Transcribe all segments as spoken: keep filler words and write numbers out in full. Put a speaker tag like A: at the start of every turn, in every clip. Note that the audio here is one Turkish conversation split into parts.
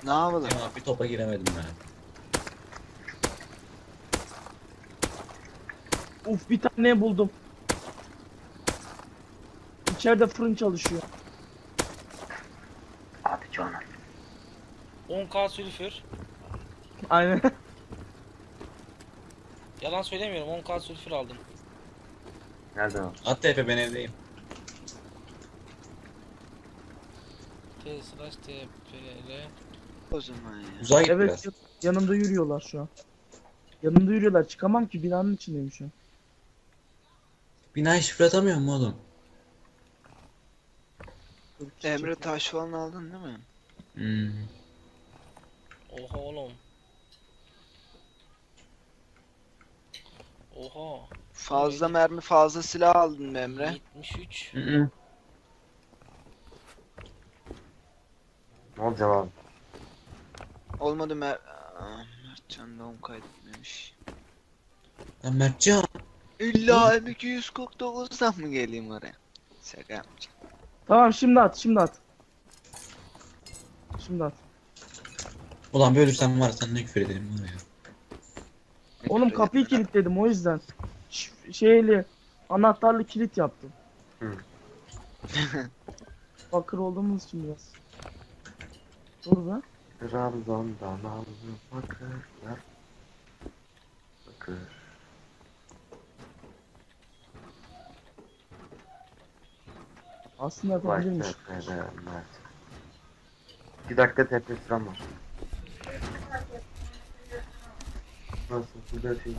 A: Ne yapalım?
B: Ama bir topa giremedim ben.
C: Uf, bir tane buldum. İçeride fırın çalışıyor.
A: Abi canım.
D: on K sülfür.
C: Aynen.
D: Yalan söylemiyorum, on K sülfür aldım.
A: Nereden o?
B: At tepe, ben evdeyim.
D: T slash T P R.
A: O zaman ya.
B: Uzağa git
C: Evet,
B: biraz.
C: ya- yanımda yürüyorlar şu an. Yanımda yürüyorlar. Çıkamam ki, binanın içindeyim şu an.
B: Binayı şifre atamıyor mu oğlum?
C: Dur,
A: Emre
C: çek-
A: taş falan aldın değil mi?
B: Hmm.
D: Oha oğlum. Oha.
A: Fazla mermi, fazla silah aldın mı Emre?
D: yetmiş üç.
B: Hı hı.
E: Ne olacak abi?
A: Olmadı Mer... Aa, Mertcan doğum kaydetmemiş.
B: Lan Mertcan.
A: İlla M iki yüz kırk dokuzdan mı geleyim oraya? Şaka yapmayacağım.
C: Tamam, şimdi at, şimdi at. Şimdi at.
B: Ulan bir ölürsem var, sen ne küfür ederim var ya.
C: Oğlum kapıyı kilitledim, o yüzden. Ş- şeyli, anahtarlı kilit yaptım.
E: Hı.
C: Bakır olduğumuz için biraz. Dur be.
E: Trabzon'dan aldım bakırlar. Bakır.
C: Aslında
E: Vay
C: yapabilirmiş.
E: tepede Mert. İki dakika tepe sıram var. Nasıl? Burada şey.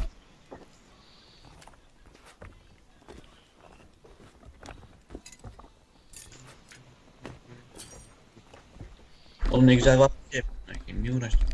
B: Oğlum ne güzel var. Şey, niye uğraştım?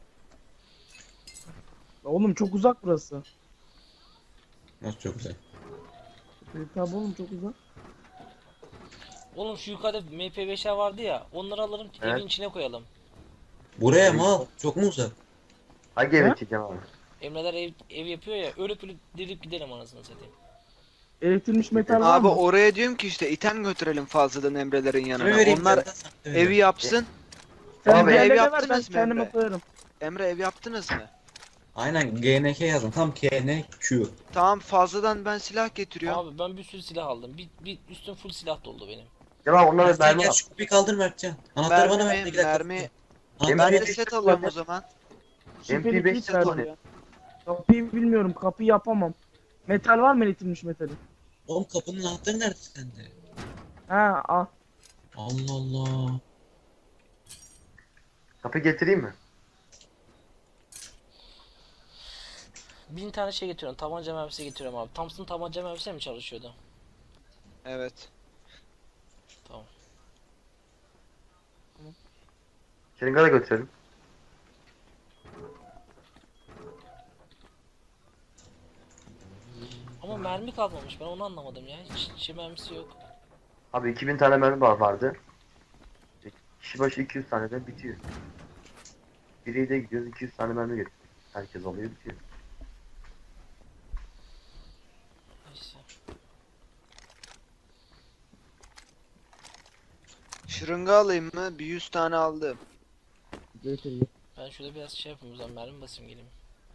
C: Oğlum çok uzak burası.
B: Nasıl çok güzel.
C: E, tabi oğlum, çok uzak.
D: Oğlum şu yukarıda M P beşler vardı ya. Onları alırım,
E: Evet.
D: evin içine koyalım.
B: Buraya mı al? Çok mu uzak?
E: Hangi
C: Ha?
E: eve çekeceğim abi?
D: Emreler ev, ev yapıyor ya. Ölüp ölüp dirilip gidelim anasını satayım.
C: Eritilmiş metal var
A: Abi
C: mı?
A: oraya diyorum ki işte item götürelim fazladan Emre'lerin
B: Kime
A: yanına.
B: vereyim?
A: Onlar
B: Sen de sen de
A: evi
B: ver.
A: yapsın.
C: Sen
E: Abi,
C: diğerlerine
A: ev
C: ver, ben
A: yaptınız mı
C: kendime
A: Emre?
C: koyarım.
A: Emre ev yaptınız mı?
B: Aynen G N K yazın. Tam K N Q.
A: Tamam fazladan ben silah getiriyorum.
D: Abi ben bir sürü silah aldım. Bir, bir üstüm full silah doldu benim.
E: Ya onlara
B: Mertcan
E: mermi
B: gel
E: al.
B: şu kapıyı kaldır Mertcan. Anahtarı bana ver.
A: Mermi,
B: iki dakika.
A: mermi.
B: Anahtarı
A: Ben
B: bana
A: de
B: ver.
A: set alıyorum o zaman.
C: Şifreli
E: M P beş
C: kilit
E: set
C: verdim.
E: oluyor.
C: Kapıyı bilmiyorum, kapıyı yapamam. Metal var mı, eritilmiş metali?
B: Oğlum kapının anahtarı nerede sende?
C: Ha, al.
B: Allah Allah.
E: Kapı getireyim mi?
D: Bin tane şey getiriyorum. Tabanca mermisi getiriyorum abi. Thompson tabanca mermisi mi çalışıyordu?
A: Evet.
D: Tamam.
E: Şırınga da götürelim.
D: Ama mermi kalmamış. Ben onu anlamadım ya. Hiç şey mermisi yok.
E: Abi iki bin tane mermi var vardı. Kişi başı iki yüz tane de bitiyor. Biriyle gidiyoruz iki yüz tane mermi getiriyor. Herkes alıyor bitiyor.
D: Neyse.
A: Şırınga alayım mı? Bir yüz tane aldım.
C: Getir.
D: Ben şurada biraz şey yapayım o zaman, mermi basayım geleyim.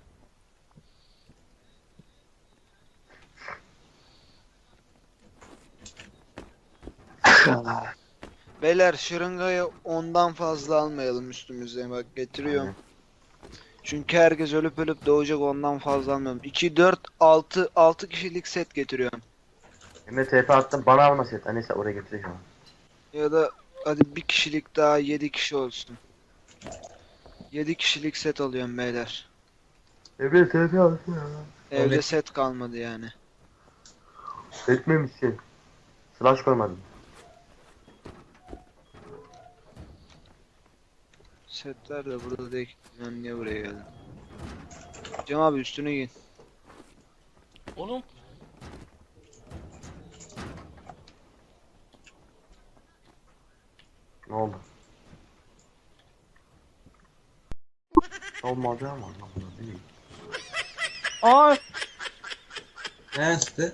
A: Beyler şırıngayı ondan fazla almayalım üstümüze, bak getiriyorum. Çünkü herkes ölüp ölüp doğacak, ondan fazla almıyorum. iki, dört, altı, altı kişilik set getiriyorum.
E: Emre T P attım bana alma set. Ha, neyse oraya getireceğim.
A: Ya da hadi bir kişilik daha, yedi kişi olsun. yedi kişilik set alıyorum beyler.
E: Emre T P alsın ya.
A: Evde
B: Öyle-
A: set kalmadı yani.
E: Etmemişsin. Slash koymadım.
A: Setler de burada değil. Ben niye buraya geldim? Cem abi üstüne giyin.
D: Oğlum
E: Ne oldu? Olmadı ama anlamadım değil.
C: Aa,
B: Nerede?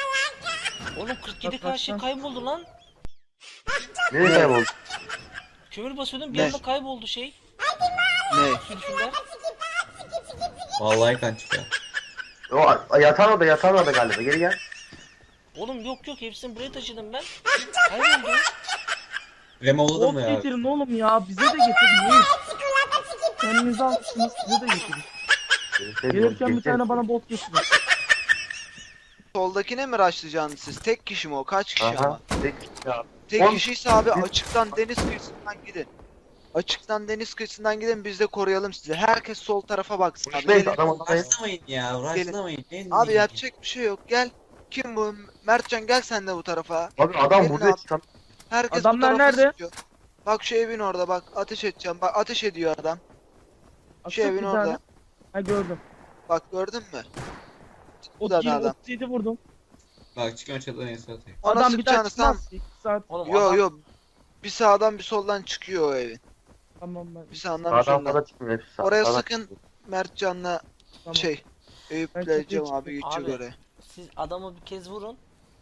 D: oğlum kırk yedi
C: Bak,
D: K
C: bak,
D: şey
C: bak.
D: kayboldu lan.
E: Nereye kayboldu?
D: Kömür basıyordum bir
A: Ne?
D: anda kayboldu şey.
A: Ne?
D: Sülfürler.
B: Vallahi kan çıkıyor.
E: O yatan orada yatan orada galiba. Geri gel.
D: Oğlum yok yok hepsini buraya taşıdım ben. Kayboldu.
B: Remoğlu da
C: Bot
B: mı ya?
C: getirin oğlum ya. Bize de getirin. Neyiz? Kendinize almışsınız. Bize de getirin. Gelirken bir tane bana bot getirin.
A: Soldakine mi rushlayacaksınız siz? Tek kişi mi o? Kaç kişi ama?
E: Aha. Tek ya.
A: Tek
E: On-
A: kişiyse abi açıktan deniz kıyısından gidin. Açıktan deniz kıyısından gidin biz de koruyalım sizi. Herkes sol tarafa baksın abi.
E: Uçmayın
A: Gelin.
E: adam odayı.
B: Uğraşlamayın ya, uğraşlamayın. Ne-
A: Abi
B: ne-
A: yapacak bir şey yok. Gel. Kim bu? Mertcan gel sen de bu tarafa.
E: Abi adam
A: Gelin
E: burada
A: abi.
E: çıkan.
A: Herkes bu
C: Adamlar
A: tarafa
C: nerede?
A: sıkıyor. Bak şu evin orada bak. Ateş edeceğim. Bak ateş ediyor adam. Şu
C: Atsak
A: evin
C: bir
A: orada.
C: tane. Ha gördüm.
A: Bak gördün mü? Bu
C: Ot
A: da
C: yirmi,
A: adam.
C: otuz yedi vurdum.
B: Bak çıkıyorum çatıdan neyse atayım.
A: Ona
C: Adam bir daha
A: sıkacağınız tamam.
C: çıkmaz. iki saat.
D: Oğlum
A: Yo
D: adam,
A: yo. Bir sağdan bir soldan çıkıyor o evin.
C: Tamam ben.
A: Bir sağdan bir
E: Sağdan
A: soldan.
E: fazla çıkmıyor hepsi. sağ-
A: Oraya
E: sağdan
A: sıkın.
E: çıkıyor.
A: Mertcan'la
C: Tamam.
A: şey. Eyüp'le
C: Ben çatıya
A: Cem
C: çıktım.
A: abi geçecek
D: Abi.
A: oraya.
D: siz adamı bir kez vurun.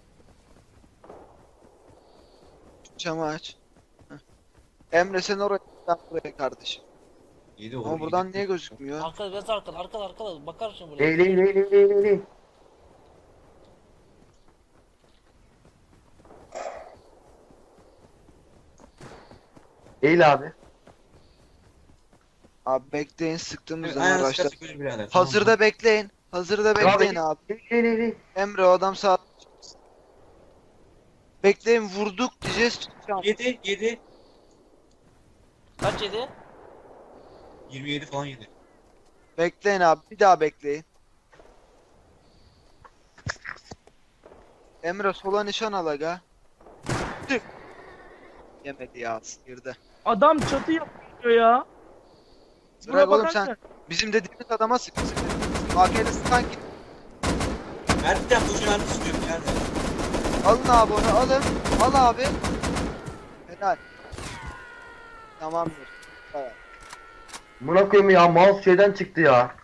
A: Camı aç. Heh. Emre sen oraya ben buraya kardeşim.
B: İyi de olur.
A: Ama
B: iyi
A: buradan
B: de-
A: niye gözükmüyor?
D: Arkada biraz arkada arkada arkada bakar şimdi buraya.
E: Ley ley ley ley ley ley ley. Eğil abi.
A: Abi bekleyin sıktığımız
B: Evet,
A: zaman
B: ayağını
A: araçlar.
B: sıkarsak öyle birader. tamam mı?
A: Hazırda bekleyin. Hazırda bekleyin abi.
E: Ley ley ley ley.
A: Emre o adam sağ. Bekleyin vurduk diyeceğiz. çıkacağım.
B: Yedi, yedi.
D: Kaç yedi?
B: yirmi yedi falan yedi.
A: Bekleyin abi bir daha bekleyin. Emre sola nişan al aga. Tık. Yemedi ya girdi.
C: Adam çatı yapıyor ya.
A: Bırak oğlum
C: bakarken-
A: sen. Bizim dediğimiz adama sık. sık. A K'de sıkan git.
B: Mertcan boşuna mermi sıkıyorum birader.
A: Alın abi onu alın. Al abi. Helal. Tamamdır. Evet.
E: Buna koyayım ya mouse şeyden çıktı ya.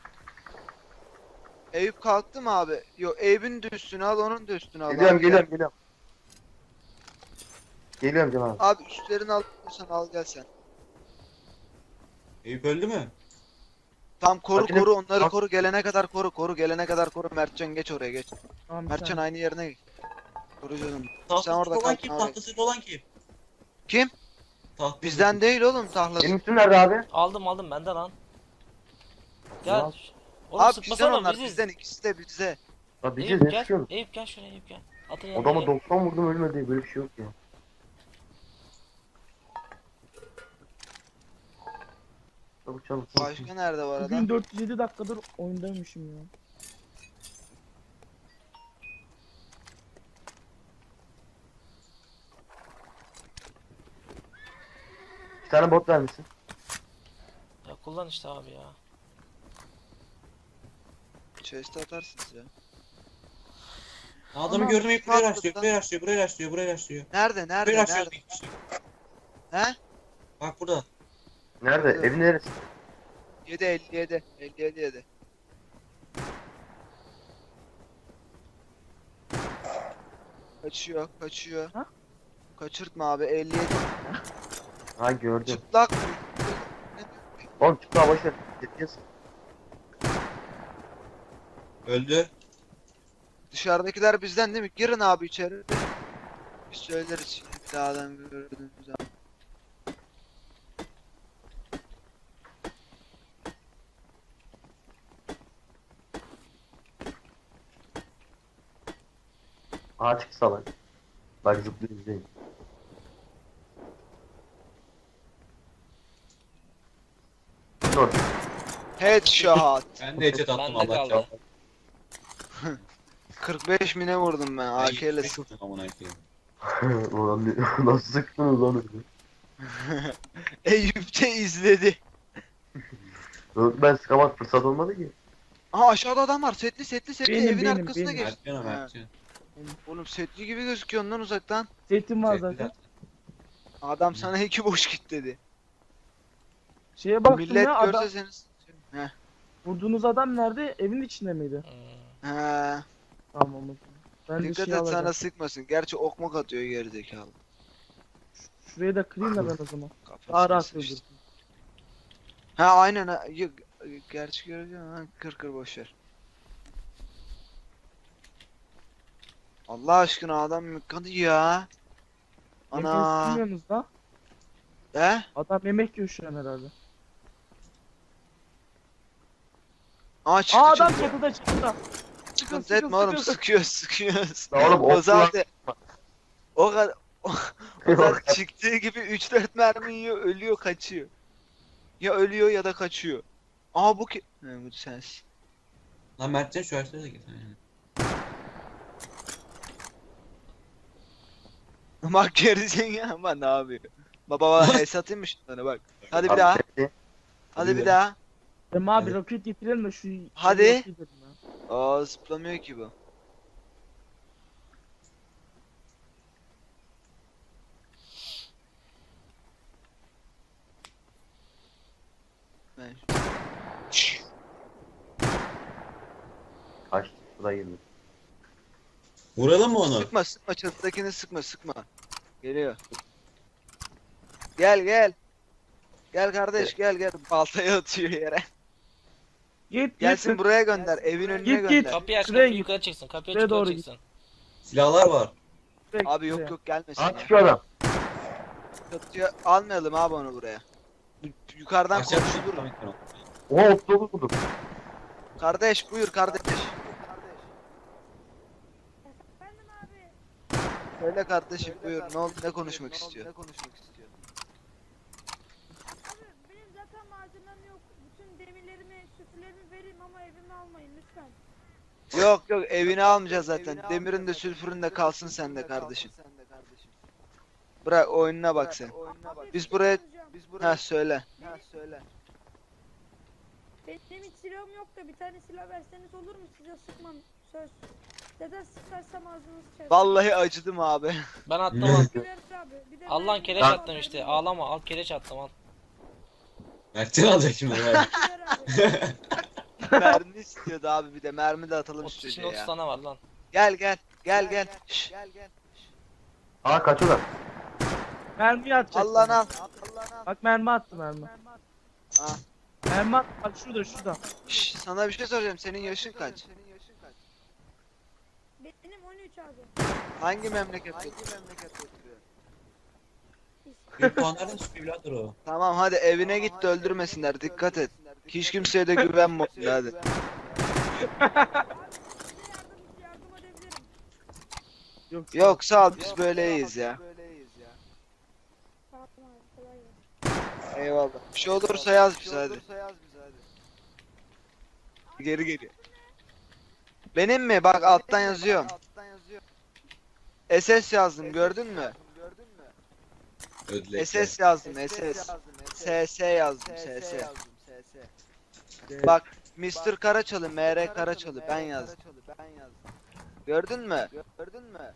A: Eyüp kalktı mı abi? Yok Eyüp'ün de üstünü al onun da üstünü al.
E: Geliyorum
A: abi.
E: geliyorum geliyorum. Geliyorum canım abi.
A: Abi üstlerini alırsan al gel sen.
B: Eyüp öldü mü?
A: Tam koru
E: Makine-
A: koru onları
E: Bak-
A: koru gelene kadar koru koru gelene kadar koru Mertcan geç oraya geç.
C: Tamam, bir
A: Mertcan
C: tane.
A: aynı yerine geç. Koru canım.
B: Tahtası
A: orada
B: olan
A: kal,
B: kim?
A: abi.
B: Tahtası olan kim?
A: Kim?
B: Tahtası.
A: Bizden değil oğlum tahlası.
E: Benim üstüm nerede abi?
D: Aldım aldım bende lan. Gel.
E: Ya.
D: Oğlum
A: Abi bizden
D: sıkmasana
A: onlar
D: biziz.
A: bizden ikisi de bize.
E: Ya bir şey
D: Eyüp
E: ne
D: gel.
E: sıkıyorsun?
D: Eyüp gel şuraya Eyüp gel. Atın yanına
E: Adama
D: gel.
E: doksan vurdum ölmedi böyle bir şey yok ya. Çabuk çabuk çabuk.
A: Başka nerede var adam?
C: Bugün dört yüz yedi dakikadır oyundaymışım ya.
E: Bir tane bot vermişsin.
D: Ya kullan işte abi ya.
A: Chest atarsınız ya.
B: Adamı
C: Ama-
B: gördüm Eyüp buraya
A: Bak
B: rastlıyor,
A: burada.
B: buraya rastlıyor, buraya rastlıyor, buraya rastlıyor.
A: Nerede nerede
B: Buraya rastlıyor.
A: nerede? He?
B: Bak burada.
E: Nerede?
A: Evet.
E: Evin neresi?
A: yedi elli yedi. elli yedi yedi. Kaçıyor kaçıyor.
C: Ha?
A: Kaçırtma abi elli yedi.
E: Ha gördüm.
A: Çıplak mı?
E: Oğlum çık daha boşver. Yetkiyiz.
B: Öldü.
A: Dışarıdakiler bizden değil mi? Girin abi içeri. Biz söyleriz şimdi bir daha adam gördüğümüz zaman.
E: Aa çık salak. Bak zıplıyor izleyin. Dur.
A: Headshot.
B: Ben de headshot attım
D: Bende
B: Allah
D: kaldı.
B: çarpsın.
A: kırk beş mine vurdum ben A K ile.
B: Ne kurdun amına koyayım.
E: Ulan ne- nasıl sıktınız lan öyle?
A: Eyüp de izledi.
E: Yok, ben sıkamak fırsat olmadı ki.
A: Aha aşağıda adam var. Setli setli setli
C: Benim,
A: evin
C: benim,
A: arkasına
C: benim.
A: geçti.
B: Mertcan o
A: Ha.
B: Mertcan.
A: Oğlum setli gibi gözüküyor ondan uzaktan.
C: Setim var
B: Zevkli
C: zaten.
B: zaten.
A: Adam sana iki boş git dedi.
C: Şeye baktım
A: Millet
C: ya adam.
A: görse seni. Heh.
C: Vurduğunuz adam nerede? Evin içinde miydi?
D: Hmm.
A: Ha.
C: Tamam o zaman. Ben de
A: Dikkat
C: şey
A: et
C: alacağım.
A: sana sıkmasın. Gerçi okmak atıyor gerizekalı.
C: Şurayı da kırayım da ben o zaman.
A: Kafasına
C: Daha rahat
A: sıçtı.
C: öldürsün.
A: Ha aynen ha. Yok, gerçi görüyorum ha. Kır kır boşver. Allah aşkına adam mıknadı ya.
C: Yemeği
A: Ana.
C: silmiyorsunuz da.
A: He?
C: Adam yemek yiyor şu an herhalde.
A: Aa çıktı
C: Aa adam
A: çıktı.
C: çatıda çatıda.
A: Sıkıntı etme oğlum, sıkıyor sıkıyor.
E: Ya oğlum
A: O
E: o
A: zaten o kadar o, o zaten çıktığı gibi üç dört mermi yiyor, ölüyor, kaçıyor. Ya ölüyor ya da kaçıyor. Aa bu ki... He, bu sensin.
B: Lan Mertcan şu ağaçlara da git. Yani.
A: Bak gerizekalı ya ama ne yapıyor? Baba baba el satayım mı şunları bak. Hadi bir daha. Hadi bir daha.
C: Emre abi
B: Evet.
C: roket getirelim de şu...
A: Hadi.
C: şeyi yok edelim ya.
A: Aa zıplamıyor ki bu. Ben...
E: Kaç sıra girdi.
B: Vuralım mı onu?
A: Sıkma sıkma, çatıdakini sıkma sıkma. Geliyor. Gel gel. Gel kardeş gel gel. Baltayı atıyor yere.
C: Git
A: Gelsin
C: git.
A: buraya gönder. Evin önüne
C: Git, git.
A: gönder.
D: Kapıyı aç,
C: Şuraya
D: kapıyı
C: git.
D: yukarı çıksın. Kapıyı
C: Şuraya
D: aç, yukarı
C: doğru git.
D: çıksın.
B: Silahlar var.
A: Abi yok yok gelmesin
E: Aa
A: ya.
E: çıkıyor adam.
A: Çatıya almayalım abi onu buraya. Bu- Yukarıdan
B: Aşağı
A: konuşulur.
B: düşün.
E: Oha otuz dokuz buldum.
A: Kardeş buyur kardeş.
F: Efendim abi.
A: Söyle kardeşim buyur. Ne oldu, ne konuşmak istiyor?
F: Abi benim zaten malzemem yok. Bütün demirlerimi, sütülerimi vereyim ama evimi almayın lütfen.
A: Yok yok evini almayacağız zaten. Demirin de sülfürün de kalsın sende kardeşim. Bırak oyununa bak sen.
F: Abi,
A: Biz
F: bir
A: buraya-
F: şey soracağım.
A: Ha söyle. Ha söyle.
F: Benim hiç silahım yok da bir tane silah verseniz olur mu? Size sıkmam. Söz. Neden sıkarsam ağzınız çarpar.
A: Vallahi acıdım abi.
D: Ben attım al.
F: Güler abi. Bir de
D: Al lan
F: ben-
D: kereç
E: Ben-
D: attım işte. Ağlama, al kereç attım al.
B: Mertcan alacak şimdi. Bak.
F: Güler abi.
A: Mermi istiyordu abi, bir de mermi de atalım
D: otuz,
A: üstüne
D: şimdi otuz
A: ya.
D: tane var lan.
A: Gel gel gel gel. Şşş.
E: Aa kaçıyorlar.
C: Mermi atacak.
A: Allah'ın al.
C: Bak mermi attı mermi.
A: Ha.
C: Mermi at. Bak şurada şurada.
A: Şşş, sana bir şey soracağım. Senin yaşın kaç?
F: Benim on üç abi.
A: Hangi memleket? Hangi memleket oturuyor?
B: Bir puanlardan çıkıyor birader o.
A: Tamam hadi evine git de öldürmesinler. Dikkat et. Hiç kimseye de güvenme hadi.
F: Size yardım, yardım edebilirim.
C: Yok.
A: Yok sağ ol, biz böyle iyiyiz ya.
F: Tamam abi kolay gelsin.
A: Eyvallah. Bir şey olursa yaz bize hadi. Geri geliyor. Benim mi? Bak alttan yazıyorum. S S yazdım, gördün mü?
B: Ödlek.
A: S S yazdım, S S. S S yazdım, S S. Bak mister Karaçalı, M R Karaçalı ben yazdım. Gördün mü? Gördün mü?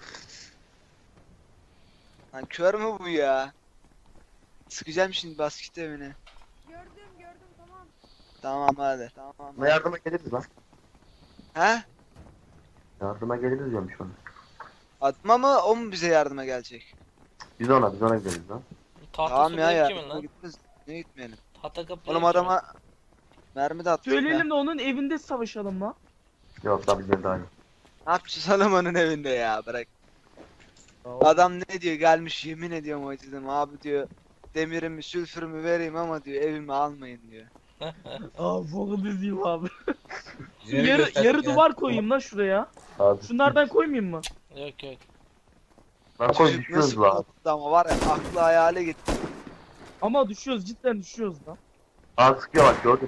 A: Lan kör mü bu ya? Sıkacağım şimdi basket evine.
F: Gördüm gördüm tamam.
A: Tamam hadi. Tamam.
E: Buna yardıma geliriz lan.
A: He?
E: Yardıma geliriz diyorum şu an.
A: Atma mı, o mu bize yardıma gelecek?
E: Biz ona biz ona gideriz lan.
D: Tahta
A: Tamam
D: su
A: ya
D: benim
A: ya.
D: kimin lan?
A: Gitmez. Ne gitmeyelim?
D: Tahta kapı
A: Oğlum
D: benim
A: adama mermi de attık ya.
C: Söyleyelim de onun evinde savaşalım lan.
E: Yok lan bizden daha iyi.
A: Ne yapacağız adamın evinde ya, bırak. Adam ne diyor, gelmiş yemin ediyorum acıdım abi diyor. Demirimi sülfürümü vereyim ama diyor evimi almayın diyor.
C: Aa foku dizeyim abi.
B: Bizim evi
C: yarı
B: gösterdik
C: yarı
B: ya.
C: duvar koyayım lan şuraya.
E: Abi.
C: Şunlardan koymayayım mı?
D: Yok yok.
E: Lan koy
A: Çocuk
E: düşüyoruz
A: nasıl
E: lan.
A: korktu ama var ya, aklı hayale gitti.
C: Ama düşüyoruz cidden düşüyoruz lan.
E: Aa sıkıyor bak gördün.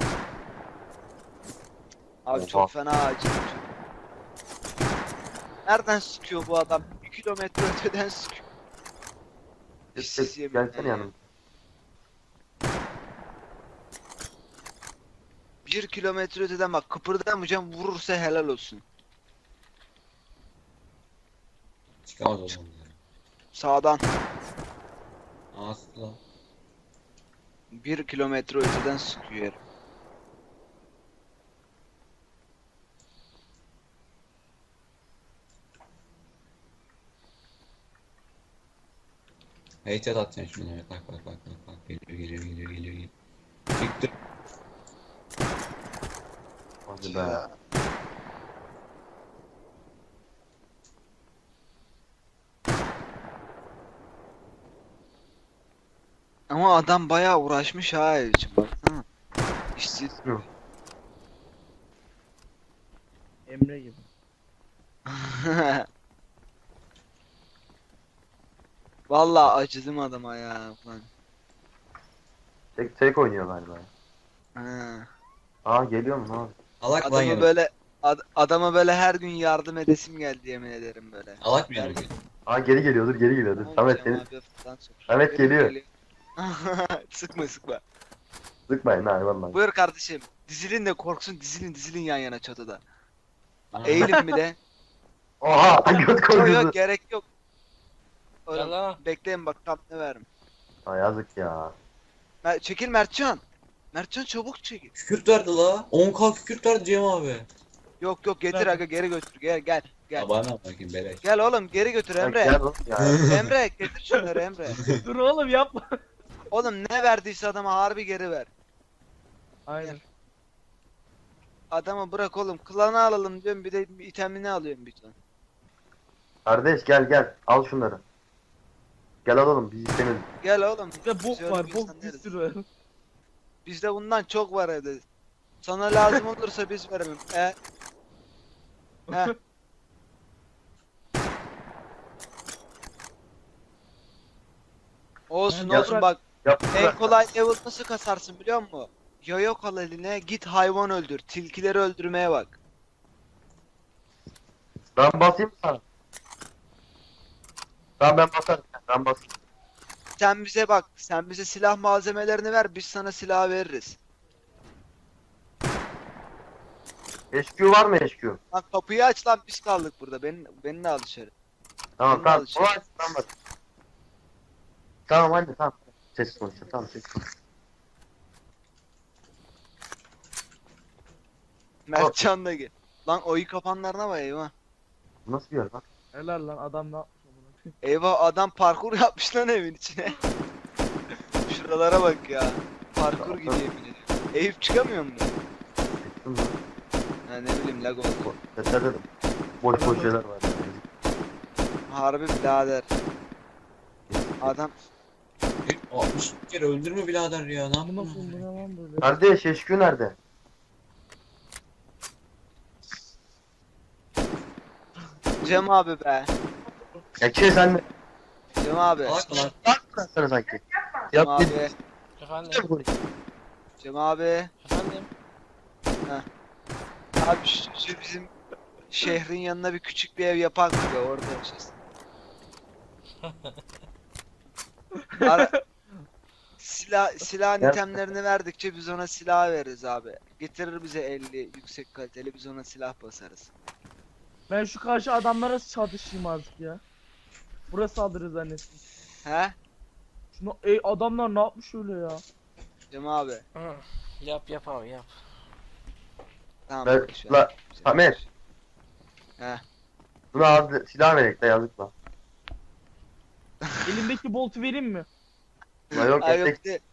A: Abi
E: Oha.
A: çok fena acıdım. Nereden sıkıyor bu adam? bir kilometre öteden sıkıyor. Siz yemin
E: Gelsene
A: ederim.
E: yanıma.
A: Bir kilometre öteden bak, kıpırdamayacağım, vurursa helal olsun.
B: Çıkamaz o zaman.
A: Sağdan
B: Asla.
A: bir kilometre öteden sıkıyor herif.
B: Headshot atacaksın şimdi. Evet, bak bak bak bak bak. Geliyor geliyor geliyor geliyor. geliyor. Çıktı.
E: Hadi be.
A: Ya. Ama adam bayağı uğraşmış ha ev için baksana. İşsiz.
E: Yok.
C: Emre gibi.
A: Vallahi acıdım adama ya. Lan.
E: Tek tek oynuyor galiba.
A: Ha.
E: Aa geliyor mu abi?
B: Alak lan
A: Adamı
B: yanı.
A: böyle ad- adama böyle her gün yardım edesim geldi yemin ederim böyle.
B: Alak mı
A: Her
B: yanı?
A: gün.
E: Aa geri geliyordur geri geliyordur.
A: Tamam,
E: Samet
A: Cem
E: seni
A: abi falan sor.
E: Samet geliyor.
A: Sıkma sıkma.
E: sıkmayın ha vallahi.
A: Buyur kardeşim. Dizilin de korksun dizilin dizilin yan yana çatıda.
B: Aa.
A: Eğilin bir de.
E: Oha göt
A: Yok
E: korkusu.
A: yok gerek yok.
D: Gel
A: Oğlum,
D: lan.
A: bekleyin bak tam ne verim.
E: Aa yazık ya.
A: Mer çekil Mertcan. Mertcan çabuk çekil.
B: Kükürt verdi la. on k kükürt verdi Cem abi.
A: Yok yok getir
C: Ver.
A: aga geri götür gel gel. Gel.
B: Ya bana bakayım beleş.
A: Gel oğlum geri götür
E: Ya
A: Emre.
E: gel oğlum ya.
A: Emre getir şunları Emre.
C: Dur oğlum yapma.
A: Oğlum ne verdiyse adama harbi geri ver.
C: Aynen.
A: Adamı bırak oğlum. Klanı alalım diyorum bir de itemini alıyorum bir ton.
E: Kardeş gel gel. Al şunları. Gel alalım biz istemedik.
A: Gel oğlum.
C: Bir de bok
A: Şöyle
C: var
A: bir
C: bok
A: insan
C: bir
A: deriz.
C: sürü var.
A: Bizde bundan çok var evde. Sana lazım olursa biz veremem. E? He. Olsun
C: Ya
A: olsun
C: bırak.
A: bak
E: Yap.
A: en kolay level nasıl kasarsın biliyor musun? Yoyok al eline git hayvan öldür. Tilkileri öldürmeye bak.
E: Ben basayım mı sana? Tamam ben basarım. Ben basayım.
A: Sen bize bak sen bize silah malzemelerini ver biz sana silah veririz.
E: H Q var mı H Q?
A: Lan kapıyı aç lan biz kaldık burada. Beni, beni de al dışarı.
E: Tamam
A: Bundan
E: tamam.
A: alışıyor.
E: O aç tamam bak. Tamam hadi tamam. Ses konuşuyor tamam ses konuşuyor.
A: Mertcan da gel. Lan oyu kapanlarına bak eyvah.
E: Bu nasıl bir yer lan?
C: Helal lan adam ne yapmış amına koyayım.
A: Eyvah adam parkur yapmış lan evin içine. Şuralara bak ya. Parkur gidiyor yemin ediyorum. Eyüp çıkamıyor mu?
E: Çıktım lan.
A: Ha ne bileyim lag oldu.
E: Sesler dedim. Boş boş şeyler var. Yani.
A: Harbi birader. Adam
B: altmış kere öldürme birader ya. Ne
C: Bu
B: yapıyorsun?
C: nasıl bu ne lan böyle?
E: Kardeş H Q nerede?
A: Cem abi be.
E: Ya kim sen de?
A: Cem abi.
B: Alak mı lan?
E: Lan bıraksana sanki.
A: Cem
E: Yap
A: abi.
E: git.
D: Efendim.
A: Cem abi.
D: Efendim.
A: Abi şu, şu bizim şehrin yanına bir küçük bir ev yapak be orada yaşasın. Ara, silah silah
E: Ya-
A: itemlerini verdikçe biz ona silah veririz abi. Getirir bize elli yüksek kaliteli biz ona silah basarız.
C: Ben şu karşı adamlara çatışayım artık ya. Burası saldırı zannettim.
A: He?
C: Şunu ey adamlar ne yapmış öyle ya?
A: Cem abi.
D: Hı. Yap yap abi yap.
A: Tamam.
E: Ben,
A: boş ver.
E: la, Samet.
A: He.
E: Buna az silah verek de yazık lan.
C: Elimdeki boltu vereyim mi?
E: La yok
A: Ay,
E: etek.
A: yok, de-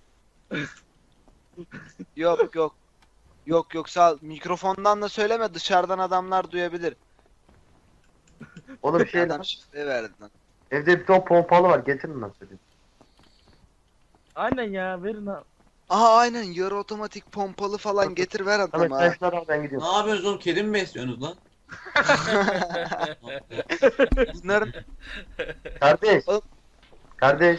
A: yok yok. Yok yok sağ ol. Mikrofondan da söyleme dışarıdan adamlar duyabilir.
E: O da bir şey
A: Adam
E: lan.
A: şifre verdi lan.
E: Evde bir ton pompalı var getirin lan söyleyeyim.
C: Aynen ya verin ha.
A: Aha aynen yarı otomatik pompalı falan getir ver
E: Samet
A: adama.
E: sen
A: ha.
E: şunları al ben gidiyorum.
B: Ne yapıyorsunuz oğlum? Kedi mi besliyorsunuz lan?
A: Bunların
E: Kardeş.
A: Oğlum.
E: Kardeş.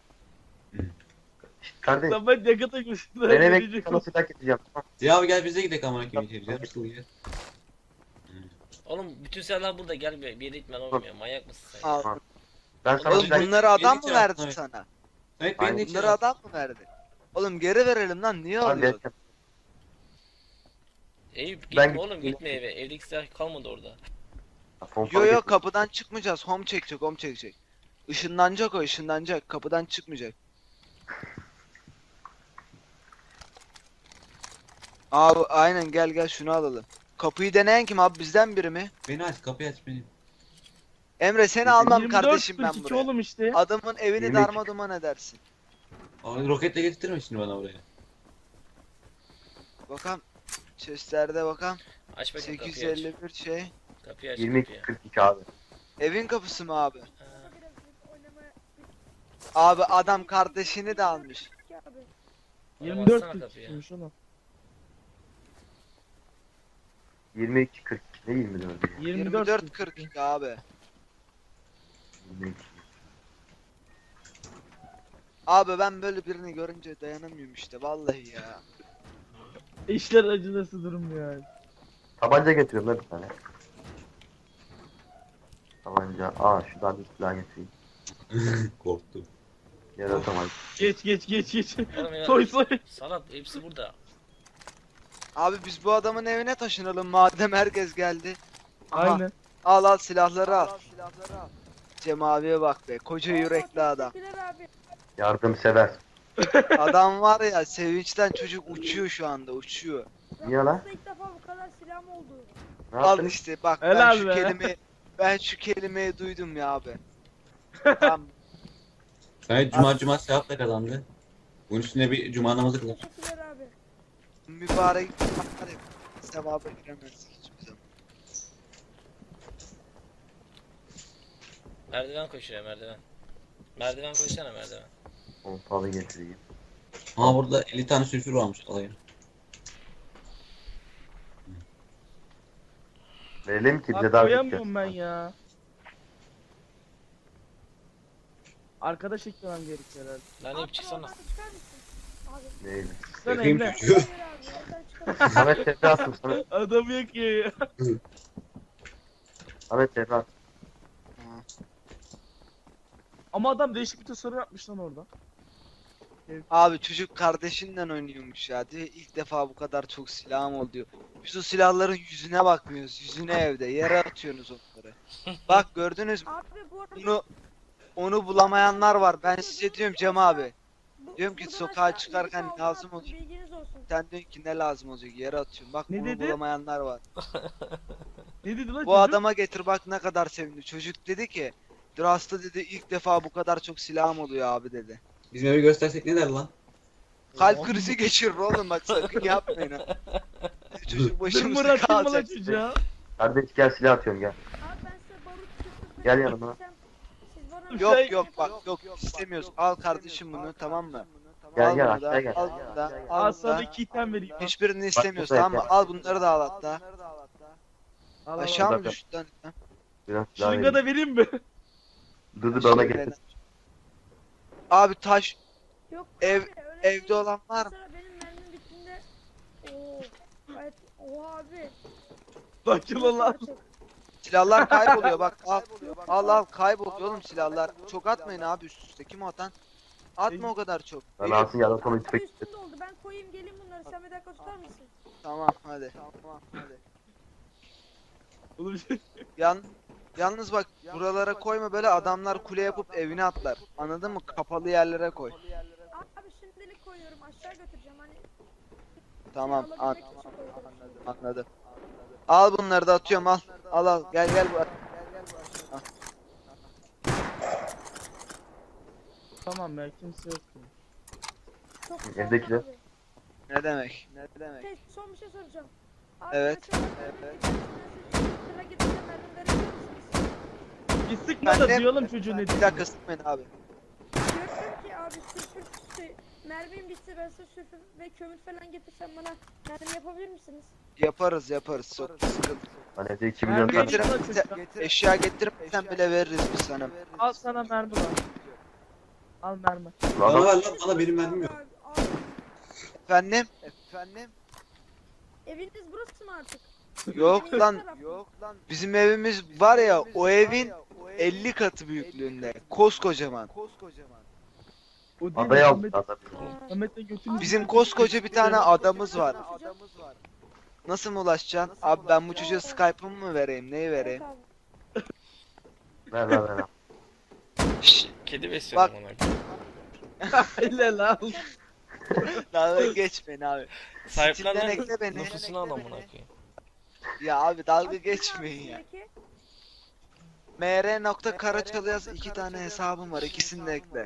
E: Şşt, kardeş.
C: Lan ben yakıta güçlü.
E: Ben eve gidip sana silah getireceğim. Tamam.
B: Ya abi gel bize gidelim amına koyayım. Bize nasıl gidiyor?
D: Oğlum bütün silahlar burada gel bir, bir yere gitmen olmuyor. Manyak mısın sen?
A: al.
E: Ben sana
A: Oğlum
E: silah
A: bunları adam mı
B: Beni
A: verdi
B: çağır,
A: sana?
B: Evet beni de
E: Aynen.
A: Bunları
B: çağır.
A: adam mı verdi? Oğlum geri verelim lan niye
E: Hadi
A: alıyorsun?
E: bekle.
D: Eyüp gitme
E: Ben-
D: oğlum gitme eve. Evdeki silah kalmadı orada.
E: Pompalı
A: Yo yo
E: getir.
A: kapıdan çıkmayacağız. Home çekecek, home çekecek. Işınlanacak o, ışınlanacak. Kapıdan çıkmayacak. Abi aynen gel gel şunu alalım. Kapıyı deneyen kim abi bizden biri mi?
B: Beni aç kapıyı aç benim.
A: Emre seni almam
C: yirmi dört
A: kardeşim ben
C: kırk iki
A: buraya.
C: oğlum işte.
A: Adamın evini
E: yirmi iki.
A: darma duman edersin.
B: Abi roketle getirtirme şimdi bana buraya.
A: Bakalım. Chestlerde bakalım.
D: Aç bakayım kapıyı aç.
A: sekiz yüz elli bir şey.
D: Kapıyı aç
E: yirmi iki
D: kapıyı.
E: kırk iki abi.
A: Evin kapısı mı abi?
D: Ha,
F: Biraz oynamaya
A: Abi adam kardeşini de almış.
F: Ki abi.
C: yirmi dört
D: baksana
C: kırk
D: kapıya.
C: ikiymiş oğlum.
E: yirmi iki kırk iki ne yirmi dört?
C: yirmi dört
A: yirmi dört
C: kırk
A: kırk
C: iki.
A: iki abi.
E: yirmi iki.
A: Abi ben böyle birini görünce dayanamıyorum işte vallahi ya.
C: İşler acınası durum yani.
E: Tabanca getiriyorum lan bir tane. Tabanca. Aa şuradan bir silah getireyim.
B: Korktum.
E: Yaratamayız.
C: Geç geç geç geç.
D: Oğlum ya,
C: Soy soy.
D: Salat hepsi burada.
A: Abi biz bu adamın evine taşınalım madem herkes geldi. Aha,
C: Aynen.
A: Al al silahları al. Cem abiye bak be koca yürekli adam.
F: Teşekkürler abi.
E: Yardımsever.
A: Adam var ya sevinçten çocuk uçuyor şu anda uçuyor.
E: Niye lan?
F: Aslında ilk defa bu kadar silahım oldu.
E: Ne
A: Al
E: yaptın?
A: işte bak ben
C: Helal
A: şu
C: be.
A: kelimeyi ben şu kelimeyi duydum ya abi. Tamam.
B: Samet cuma cuma sevapla kazandı. Bunun üstüne bir cuma namazı kılar.
F: Teşekkürler abi.
A: Mübarek mübarek sevaba giremez hiçbir zaman.
D: Merdiven koşuyor merdiven. Merdiven koşsana merdiven.
E: Pompalı getireyim.
B: Ama burada elli tane sülfür varmış alayım.
E: Verelim ki bize
C: Abi
E: daha
C: koyamıyorum ben ya. Arkadaş eklemem gerekiyor herhalde.
D: Lan
F: Abi
D: ip çıksana.
F: oradan çıkar mısın? Abi.
E: Neydi?
C: Sen
B: Yakayım
C: Emre.
B: çocuğu.
F: Hayır abi oradan çıkar.
E: Samet Tevre attım sana.
C: Adamı yakıyor ya.
E: Samet Tevre attım.
C: Ama adam değişik bir tasarım yapmış lan orada.
A: Abi çocuk kardeşinden oynuyormuş ya diyor ilk defa bu kadar çok silahım oldu diyor. Biz o silahların yüzüne bakmıyoruz yüzüne evde yere atıyorsunuz onları. Bak gördünüz mü
F: Abi bu arada
A: bunu onu bulamayanlar var ben size diyorum Cem abi.
F: bu-
A: diyorum ki
F: buradan
A: sokağa
F: aşağı
A: çıkarken
F: inmiş
A: lazım
F: aldım,
A: olacak.
F: Bilginiz olsun.
A: Sen diyorsun ki ne lazım olacak yere atıyorum bak
C: Ne
A: bunu
C: dedi?
A: bulamayanlar var.
C: Ne dedi lan
A: Bu
C: çocuk?
A: adama getir bak ne kadar sevindi çocuk dedi ki Drasta dedi ilk defa bu kadar çok silahım oluyor abi dedi.
B: Bizim evi göstersek ne der lan?
A: Kalp krizi geçirir oğlum bak sakın yapmayın ha. Çocuk
C: Zırmır
A: başımızda
C: atayım mı lan
A: kalacak.
C: çocuğa?
E: Kardeş gel silah atıyorum gel.
F: Abi ben size barut çıktı.
E: Gel yanıma.
F: Siz bana
C: Yok,
A: Yok
C: Şey-
A: yok bak yok istemiyoruz. Al kardeşim bunu tamam mı?
E: Gel
A: Al
E: gel
A: bunu da,
E: aşağı gel.
A: al bunu da, al
C: Al
A: bunu
C: sana
A: da.
C: iki item vereyim.
A: Hiçbirini istemiyoruz
E: burada
A: tamam mı?
E: yeter.
A: Al bunları da al hatta.
C: Al, al,
A: Aşağı
C: al.
A: mı
E: Burada.
A: düştü lan?
E: Biraz silah
C: Şırınga
E: vereyim.
C: da vereyim mi?
E: Dıdı bana getir.
A: Abi taş
F: Yok
A: Ev-
F: abi, öyle
A: evde
F: değil.
A: olan var mı?
F: Mesela benim mermim bittiğinde ooo gayet oha abi.
C: Sakin ol lan.
A: Silahlar kayboluyor bak al. Al al kayboluyor oğlum silahlar. Çok atmayın abi üst üste. Kim o atan? Atma o kadar çok.
E: Ben
A: Bir-
E: alsın yaratan
F: Abi
E: tüfek.
F: üstünde oldu ben koyayım gelin bunları sen bir dakika tutar mısın?
A: Tamam hadi. Tamam hadi.
C: Oğlum şey-
A: Yan Yalnız bak buralara koyma böyle adamlar kule yapıp evine atlar. Anladın mı? Kapalı yerlere koy.
F: Abi şimdilik koyuyorum aşağı götüreceğim hani.
A: Tamam an
F: alabilmek için koyuyorum.
A: anladım. Al bunları da atıyorum al. Al al gel gel bu. Al.
C: Tamam ya kimse yok. ya.
F: Çok güzel
E: Evdekiler.
F: abi.
A: Ne demek? Ne demek?
F: Şey, son bir şey soracağım. Abi
A: Evet.
F: mesela
A: Evet.
F: Sıra gidince mermi verebilir misiniz?
C: Bir sıkma da
A: Ben de-
C: duyalım çocuğu ne
A: Bir
C: diyor.
A: dakika sıkmayın abi.
F: Diyorum ki abi sülfür şey, mermim bitti ben size sülfür ve kömür falan getirsem bana mermi yapabilir misiniz?
A: Yaparız yaparız. Çok sıkıntı.
E: Ben evde iki milyon
C: Mermi
E: tane.
A: Getir,
C: Getir-
A: getir, eşya getirmesen bile veririz biz sana.
C: Al sana mermi var. Al mermi.
B: Bana
E: Adam
B: ver lan bana benim mermim yok.
F: Abi, abi,
A: Efendim? Efendim?
F: eviniz burası mı artık?
A: Yok lan. Yok lan. Bizim evimiz var ya o evin elli katı büyüklüğünde. Koskocaman.
C: O değil
E: Adayı aldı
C: Ahmet,
E: adam.
F: Ha.
C: Ahmet'le götünü
A: Bizim koskoca bir tane adamız var. Nasıl mı ulaşacaksın? Abi ben bu çocuğa Skype'ımı mı vereyim? Neyi vereyim?
F: Evet abi.
E: Ver ver ver.
D: Şşş, kedi besliyorum
A: Bak.
D: ona.
C: Helal al.
A: Dalga geçmeyin abi.
D: Sahiplen
A: Steam'den
D: lan.
A: ekle beni.
D: Nüfusunu al amına koyayım.
A: Ya abi dalga geçmeyin ya.
F: Üstündeki-
A: mr.karaçalı yaz, iki tane hesabım var, ikisini de ekle.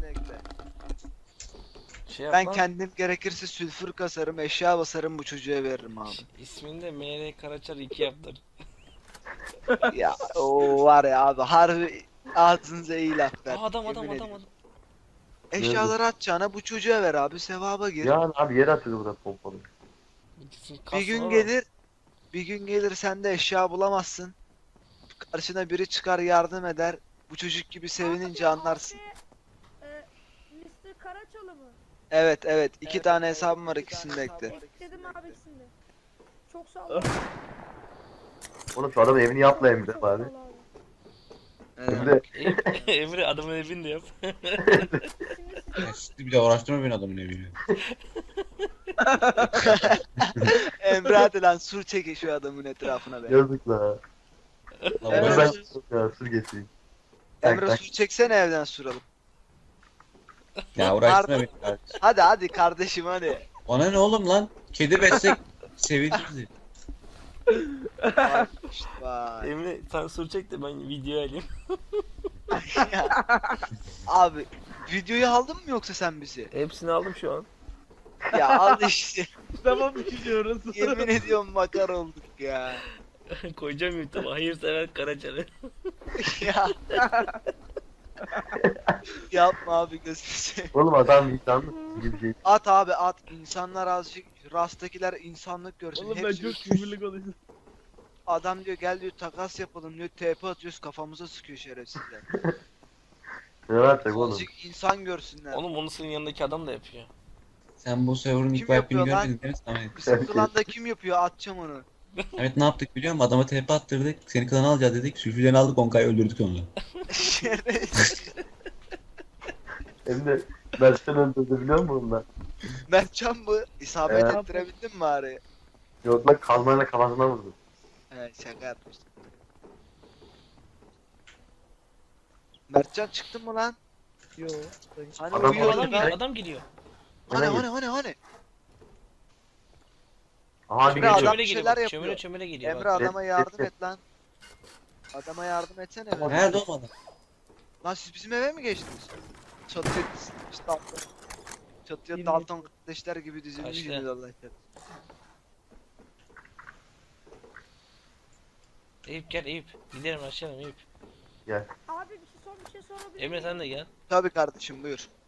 D: Şey yap
A: Ben
D: lan.
A: kendim gerekirse sülfür kasarım, eşya basarım, bu çocuğa veririm abi.
D: İsmini de M R Karaçar iki yaptır.
A: Ya o var ya abi, harbi ağzınıza iyi laf ver.
D: Aa, adam adam
A: yemin
D: adam
A: ediyorum.
D: adam.
A: Eşyaları atacağına bu çocuğa ver abi, sevaba gir.
E: Ya abi yere atıyordu burada pompalı.
D: İkisini
A: Bir
D: kasma
A: gün
D: lan.
A: gelir, bir gün gelir sen de eşya bulamazsın. Karşına biri çıkar, yardım eder. Bu çocuk gibi sevinince
F: Abi,
A: anlarsın.
F: abi, e, mister Karaçalı mı?
A: Evet evet, iki tane hesabım var, ikisini de ekle.
F: Ekledim abi ikisini de. Çok sağ ol.
E: Oğlum şu adamın evini yapla
F: Çok-
E: Emre
F: çok
E: abi.
F: sağ ol abi.
A: Evet.
E: Emre
D: Emre adamın evini de yap.
F: Şimdi siz
B: Ya siz bir de uğraştırma beni adamın evine.
A: Emre hadi lan, sur çekin şu adamın etrafına be.
E: yazık la.
B: Lan
A: Evet.
B: uğraş-
E: Ben ya sür geçeyim. Tak,
A: Emre
E: tak.
A: sur çeksene, evden suralım.
B: Ya uğraştırma beni kardeşim.
A: Hadi hadi kardeşim hadi.
B: Ona ne oğlum lan? Kedi beslek sevinirdi.
A: Vay, işte vay.
D: Emre sen sur çek de ben video alayım.
A: Ya. Abi videoyu aldın mı yoksa sen bizi?
D: Hepsini aldım şu an.
A: Ya al işte.
C: Tamam biliyoruz.
A: Yemin ediyorum makar olduk ya.
D: Koyacağım YouTube'a. Hayırsever Karaçar'ı.
A: Ya. Yapma abi, gözünü seveyim.
E: Oğlum adam insanlık gibi bir şey.
A: At abi at. İnsanlar azıcık, Rast'takiler insanlık görsün.
C: Oğlum ben
A: Hepsi
C: çok
A: üç-
C: küfürlü konuşuyorum.
A: Adam diyor gel diyor takas yapalım diyor. T P atıyoruz, kafamıza sıkıyor şerefsizler.
E: Ne yapacak oğlum?
A: Azıcık insan görsünler.
D: Oğlum onu senin yanındaki adam da yapıyor.
B: Sen bu server'ın
A: Kim
B: ilk wipe'ini
A: yapıyor lan?
B: görmedin değil mi Samet?
A: Bizim klanda kim yapıyor? Atacağım onu.
B: Evet ne yaptık biliyor musun? Adama T P attırdık. Seni klana alacağız dedik. Sülfülerini aldık Onkay'ı öldürdük onu.
A: Şerefsiz.
E: Emre Mert'ten öldürdü biliyor musun bunlar?
A: Mertcan mı? İsabet
E: Evet.
A: ettirebildin mi bari?
E: Yok lan kalmayla kafasına vurdu.
A: Evet, şaka yapmıştım. Mertcan çıktın mı lan?
C: Yo.
A: Hani
E: Adam-
A: uyuyordu
D: Adam
A: lan?
D: geliyor, adam geliyor.
A: Hani
E: Nereye
A: hani hani hani?
E: Aha bir
A: Emre,
E: geliyor.
A: adam
D: Çömele
A: bir
D: geliyor
A: şeyler
D: bak.
A: yapıyor.
D: Çömele çömele geliyor
A: Emre
D: bak.
A: adama yardım
E: et.
A: et lan. Adama yardım etsene be.
B: Nerede o adam?
A: Lan siz bizim eve mi geçtiniz? Çatıya işte Dalton. Çatıya
C: Yemin
A: Dalton kardeşler gibi
D: Kaçtı.
A: dizilmişsiniz Allah aşkına.
D: Eyüp gel Eyüp. Gidelim aşağıya Eyüp.
F: Abi bir şey sor bir şey sorabilir
D: Emre
F: miyim?
D: sen de gel.
A: Tabii kardeşim, buyur.